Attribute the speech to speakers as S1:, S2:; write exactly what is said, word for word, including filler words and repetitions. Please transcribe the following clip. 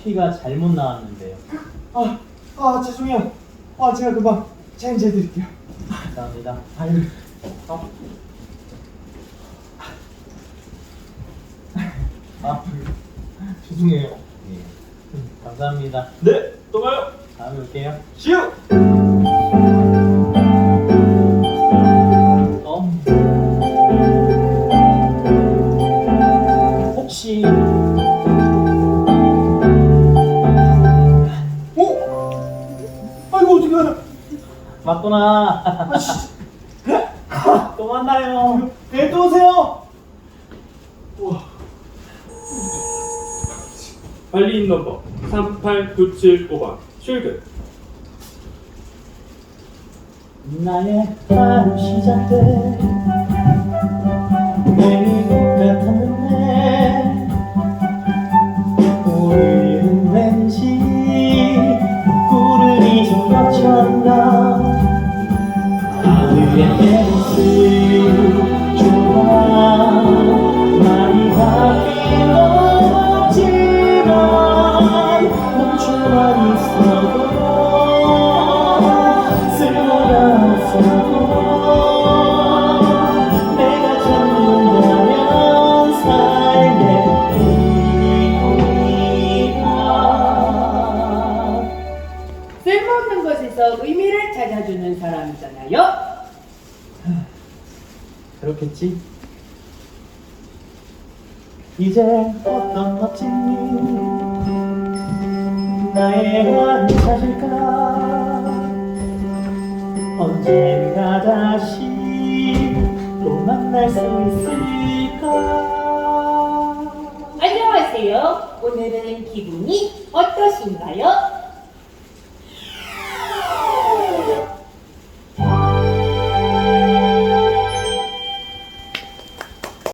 S1: 커피가 잘못 나왔는데요.
S2: 아, 아 죄송해요. 아 제가 금방 체인지 해드릴게요.
S1: 감사합니다.
S2: 아유, 아,
S1: 아,
S2: 죄송해요.
S1: 예. 감사합니다.
S2: 네, 또 봐요.
S1: 다음에 올게요.
S2: 시우.
S1: 어. 혹시
S2: 어? 아이고 어떻게 알아?
S1: 맞구나.
S2: 아, 씨.
S1: 또 만나요.
S2: 네, 또 오세요. 우와.
S3: 관리인 넘버 삼팔구칠오 번 출근.
S1: 나의 하루 시작돼 매일 똑같았는데 오늘은 왠지 구름이 좀 겹쳤나. 하늘의 내 모습 좋아 많이 바뀐 건 없지만 멈춰만 있어도 쓸모가 없어도 내가 찾는다면 삶의 의미가.
S4: 쓸모없는 곳에서 의미를 찾아주는 사람이잖아요.
S1: 그렇겠지? 이제 어떤 멋진 일 나의 왕을 찾을까. 언젠가 다시 또 만날 수 있을까.
S4: 안녕하세요. 오늘은 기분이